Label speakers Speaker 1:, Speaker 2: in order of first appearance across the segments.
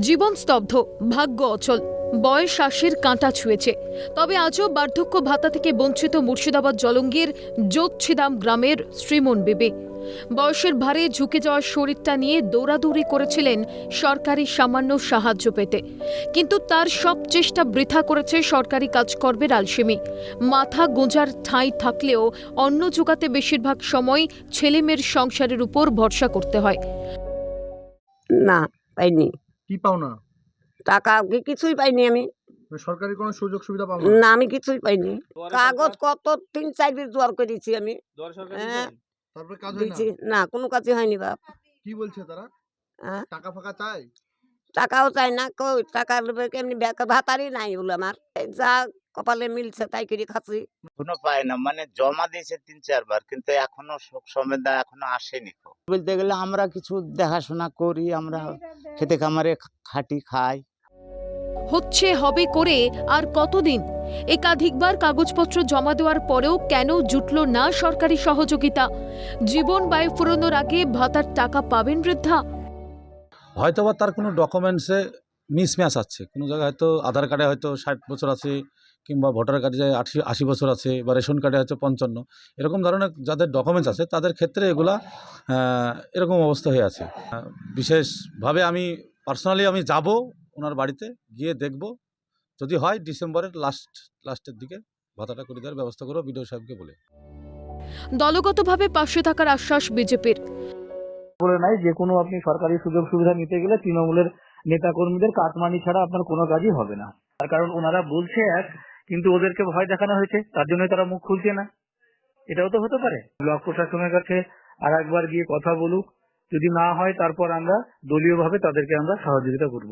Speaker 1: জীবন স্তব্ধ, ভাগ্য অচল, বয়স আশির কাঁটা ছুঁয়েছে। তবে আজও বার্ধক্য ভাতা থেকে বঞ্চিত মুর্শিদাবাদ জলঙ্গির যোগছিদাম গ্রামের শ্রীমন বিবি। বয়সের ভারে ঝুঁকে যাওয়া শরীরটা নিয়ে দৌড়াদৌড়ি করেছিলেন সরকারি সামান্য সাহায্য পেতে, কিন্তু তার সব চেষ্টা বৃথা করেছে সরকারি কাজকর্মের আলসেমি। মাথা গোঁজার ঠাঁই থাকলেও অন্ন জোগাতে বেশিরভাগ সময় ছেলেমেয়ের সংসারের উপর ভরসা করতে হয়।
Speaker 2: না, পাইনি।
Speaker 3: কি পাও না?
Speaker 2: টাকা কিছুই পাইনি আমি।
Speaker 3: সরকারি কোনো সুযোগ সুবিধা পাও না?
Speaker 2: না, আমি কিছুই পাইনি। কাগজ কত ৩-৪ দিন জোয়ার করেছি আমি। হ্যাঁ,
Speaker 3: তারপরে কাজ হয় না?
Speaker 2: দিয়েছি। না, কোনো কাজই হয়নি বাপ।
Speaker 3: কি বলছে তারা?
Speaker 2: হ্যাঁ,
Speaker 3: টাকা ফাঁকা চায়?
Speaker 2: টাকাও চাই না, কই টাকা নেবে কেমনি, ভাতারই নাই বলে আমার। এই যা কপালে মিলছে তাই করে খাচ্ছি।
Speaker 4: এখনো পায় না, মানে জমা দিয়েছে ৩-৪ বার, কিন্তু এখনো শোক সমেদা এখনো আসেনি। বলতে গেলে আমরা কিছু দেখাশোনা করি, আমরা খেতে খামারে খাটি খাই।
Speaker 1: হচ্ছে হবে করে আর কতদিন? একাধিকবার কাগজপত্র জমা দেওয়ার পরেও কেন জুটল না সরকারি সহযোগিতা? জীবন ব্যয় ফুরোনোর আগে ভাতার টাকা পাবেন বৃদ্ধা?
Speaker 5: হয়তোবা তার কোনো ডকুমেন্টসে মিসম্যাচ আছে, কোনো জায়গায় হয়তো আধার কার্ডে হয়তো ৬০ বছর আছে, কিংবা ভোটার কার্ডে ৮০ বছর আছে, বা রেশন কার্ডে হচ্ছে ৫৫। এরকম ধরনের যাদের ডকুমেন্টস আছে তাদের ক্ষেত্রে এগুলা এরকম অবস্থা হয়ে আছে। বিশেষভাবে আমি পার্সোনালি আমি যাব ওনার বাড়িতে, গিয়ে দেখব, যদি হয় ডিসেম্বরের লাস্টের দিকে ভাতাটা করে দেওয়ার ব্যবস্থা করবো বিডিও সাহেবকে বলে।
Speaker 1: দলগতভাবে পাশে থাকার আশ্বাস বিজেপির।
Speaker 6: বলে নাই, যে কোনো আপনি সরকারি সুযোগ সুবিধা নিতে গেলে তৃণমূলের নেতাকর্মীদের কাটমানি ছাড়া আপনার কোনো কাজই হবে না। তার কারণ ওনারা বলছে এক, কিন্তু ওদেরকে ভয় দেখানো হয়েছে, তার জন্য তারা মুখ খুলছে না। এটাও তো হতে পারে। ব্লক প্রশাসনের কাছে আর একবার গিয়ে কথা বলুক, যদি না হয় তারপর আমরা দলীয়ভাবে তাদেরকে আমরা সহযোগিতা করব।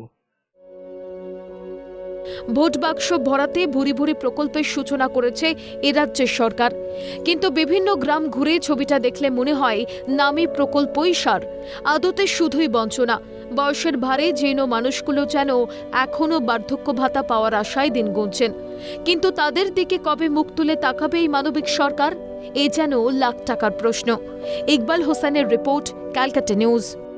Speaker 1: ভোট বাক্স ভরাতে ভুরি ভুরি প্রকল্পের সূচনা করেছে এ রাজ্যের সরকার, কিন্তু বিভিন্ন গ্রাম ঘুরে ছবিটা দেখলে মনে হয় নামী প্রকল্পই সার, আদতে শুধুই বঞ্চনা। বয়সের ভারে জীর্ণ মানুষগুলো যেন এখনো বার্ধক্য ভাতা পাওয়ার আশায় দিন গুনছেন, কিন্তু তাদের দিকে কবে মুখ তুলে তাকাবে এই মানবিক সরকার? এ যেন লাখ টাকার প্রশ্ন। ইকবাল হোসেনের রিপোর্ট, ক্যালকাটা নিউজ।